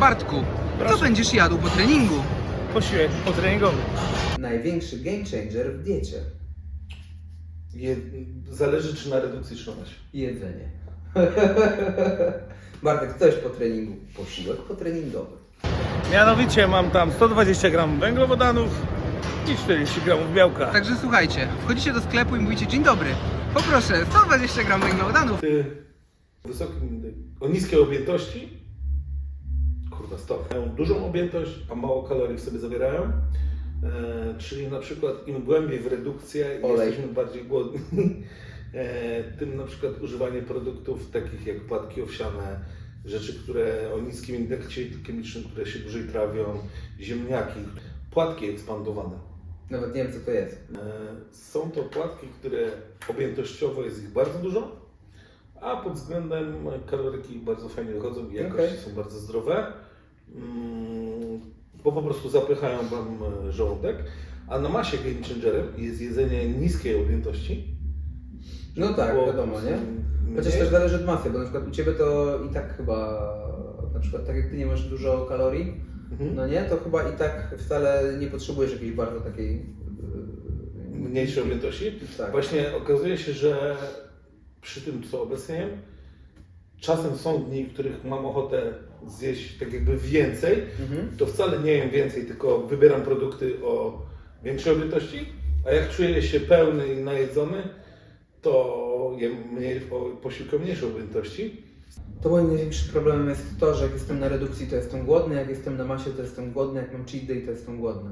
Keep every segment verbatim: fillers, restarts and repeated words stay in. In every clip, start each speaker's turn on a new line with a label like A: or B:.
A: Bartku, co
B: Proszę.
A: będziesz jadł po treningu?
B: Posiłek potreningowy.
C: Największy game changer w diecie.
D: Je, zależy czy na redukcji, czy na masie.
C: Jedzenie. Bartek, coś po treningu. Posiłek potreningowy.
B: Mianowicie mam tam sto dwadzieścia gramów węglowodanów i czterdzieści gramów białka.
A: Także słuchajcie, wchodzicie do sklepu i mówicie: dzień dobry, poproszę sto dwadzieścia gramów węglowodanów.
D: Ty wysokim, o niskiej objętości, kurwa stop, mają dużą objętość, a mało kalorii w sobie zawierają. E, czyli na przykład im głębiej w redukcję i
C: Olej.
D: jesteśmy bardziej głodni, e, tym na przykład używanie produktów takich jak płatki owsiane, rzeczy, które o niskim indeksie chemicznym, które się dłużej trawią, ziemniaki, płatki ekspandowane.
C: Nawet nie wiem, co to jest.
D: E, Są to płatki, które objętościowo jest ich bardzo dużo, a pod względem kaloryki bardzo fajnie wychodzą i jakości
C: Okej.
D: są bardzo zdrowe, mm, bo po prostu zapychają Wam żołądek. A na masie game changerem jest jedzenie niskiej objętości.
C: No tak,
D: Było
C: wiadomo, nie?
D: mniej.
C: Chociaż też zależy od masy, bo na przykład u Ciebie to i tak chyba, na przykład tak jak Ty nie masz dużo kalorii,
D: Mhm.
C: no nie, to chyba i tak wcale nie potrzebujesz jakiejś bardzo takiej... yy,
D: Mniejszej objętości.
C: Tak.
D: Właśnie okazuje się, że przy tym, co obecnie jem, czasem są dni, w których mam ochotę zjeść tak jakby więcej,
C: Mhm.
D: to wcale nie jem więcej, tylko wybieram produkty o większej objętości, a jak czuję się pełny i najedzony, to jem mniej, o posiłku o mniejszej objętości.
C: To moim największym problemem jest to, że jak jestem na redukcji, to jestem głodny, jak jestem na masie, to jestem głodny, jak mam cheat day, to jestem głodny.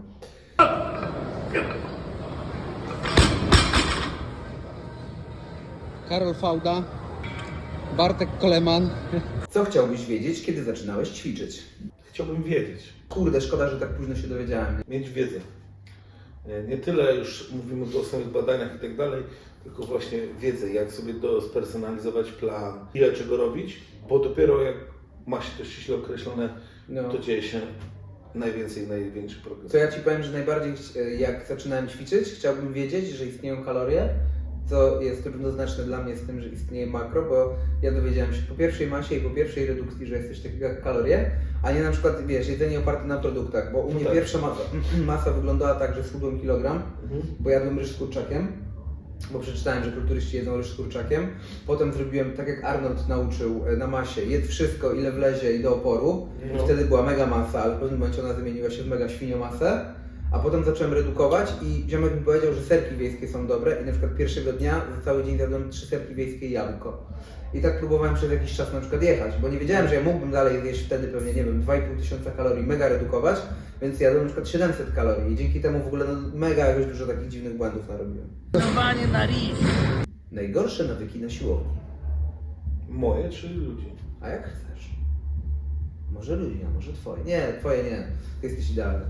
A: Karol Fauda, Bartek Koleman.
C: Co chciałbyś wiedzieć, kiedy zaczynałeś ćwiczyć?
D: Chciałbym wiedzieć,
C: Kurde, szkoda, że tak późno się dowiedziałem.
D: mieć wiedzę. Nie tyle już mówimy o samych badaniach i tak dalej, tylko właśnie wiedzę, jak sobie do, spersonalizować plan, ile czego robić, bo dopiero jak ma się to ściśle określone,
C: No.
D: to dzieje się najwięcej, największy progres.
C: To ja Ci powiem, że najbardziej chci- jak zaczynałem ćwiczyć, chciałbym wiedzieć, że istnieją kalorie, co jest równoznaczne dla mnie z tym, że istnieje makro, bo ja dowiedziałem się po pierwszej masie i po pierwszej redukcji, że jest coś takiego jak kalorie, a nie na przykład, wiesz, jedzenie oparte na produktach, bo u mnie
D: tak.
C: pierwsza masa, masa wyglądała tak, że schudłem kilogram,
D: Mhm.
C: bo jadłem ryż z kurczakiem, bo przeczytałem, że kulturyści jedzą ryż z kurczakiem. Potem zrobiłem tak, jak Arnold nauczył e, na masie, jedz wszystko, ile wlezie i do oporu. I
D: No.
C: wtedy była mega masa, ale w pewnym momencie ona zamieniła się w mega świniomasę. A potem zacząłem redukować i ziomek mi powiedział, że serki wiejskie są dobre i na przykład pierwszego dnia za cały dzień zjadłem trzy serki wiejskie i jabłko. I tak próbowałem przez jakiś czas na przykład jechać, bo nie wiedziałem, że ja mógłbym dalej zjeść wtedy pewnie, nie wiem, dwa i pół tysiąca kalorii, mega redukować, więc jadłem na przykład siedemset kalorii i dzięki temu w ogóle no, mega jakoś dużo takich dziwnych błędów narobiłem.
B: Panowanie na riż.
C: Najgorsze nawyki na siłowni.
D: Moje czy ludzi?
C: A jak chcesz? Może ludzi, a może twoje. Nie, twoje nie. Ty jesteś idealny.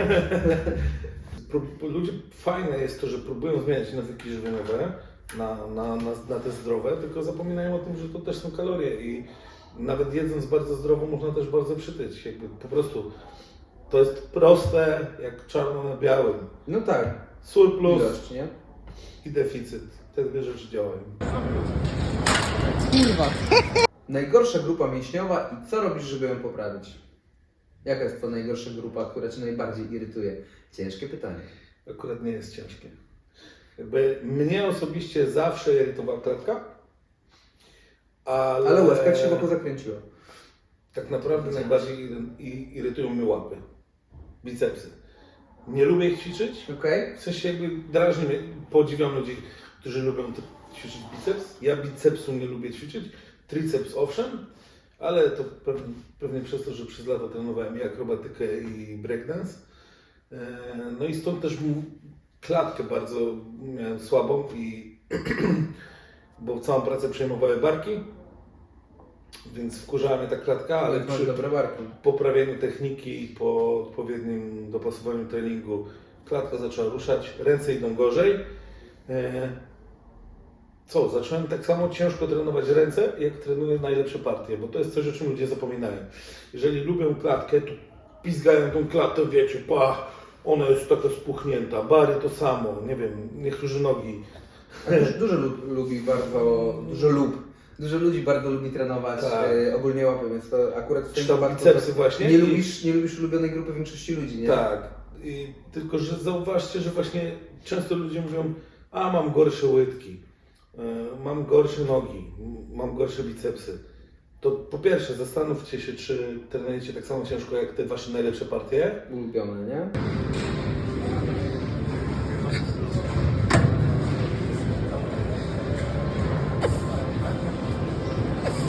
D: Prób- Ludzie, fajne jest to, że próbują zmieniać nawyki żywieniowe na, na, na, na te zdrowe, tylko zapominają o tym, że to też są kalorie i nawet jedząc bardzo zdrowo można też bardzo przytyć. Jakby po prostu to jest proste jak czarno na białym.
C: No tak.
D: Surplus
C: Ilość, nie?
D: i deficyt. Te dwie rzeczy działają.
A: Kurwa.
C: Najgorsza grupa mięśniowa i co robisz, żeby ją poprawić? Jaka jest to najgorsza grupa, która Cię najbardziej irytuje? Ciężkie pytanie.
D: Akurat nie jest ciężkie. Jakby mnie osobiście zawsze irytowała klatka, ale,
C: Ale łezka Ci się wokół zakręciła.
D: tak naprawdę najbardziej iry- i- irytują mnie łapy, bicepsy. Nie lubię ich ćwiczyć,
C: Okej?
D: w sensie jakby drażni mnie, podziwiam ludzi, którzy lubią t- ćwiczyć biceps. Ja bicepsu nie lubię ćwiczyć, triceps owszem, ale to pewnie, pewnie przez to, że przez lata trenowałem i akrobatykę i breakdance. E, No i stąd też m- klatkę bardzo miałem słabą i bo całą pracę przejmowały barki, więc wkurzała mnie ta klatka, ale
C: Ale masz
D: przy
C: dobre barki.
D: poprawieniu techniki i po odpowiednim dopasowaniu treningu klatka zaczęła ruszać, ręce idą gorzej. E, Co, zacząłem tak samo ciężko trenować ręce, jak trenuję najlepsze partie, bo to jest coś, o czym ludzie zapominają. Jeżeli lubią klatkę, to pizgają tą klatkę, wiecie, pa, ona jest taka spuchnięta, bary to samo, nie wiem, niektórzy nogi.
C: A Dużo, dużo lub, lubi bardzo, dużo lub Dużo ludzi bardzo lubi trenować
D: Tak.
C: e, ogólnie łapy, więc to akurat w
D: Czy
C: tym
D: tam
C: wypadku
D: bicepsy właśnie?
C: nie
D: I-
C: lubisz, nie lubisz ulubionej grupy większości ludzi, nie?
D: Tak. I tylko, że zauważcie, że właśnie często ludzie mówią, a mam gorsze łydki, e, mam gorsze nogi, m- mam gorsze bicepsy. To po pierwsze zastanówcie się, czy trenujecie tak samo ciężko jak te wasze najlepsze partie.
C: Ulubione, nie?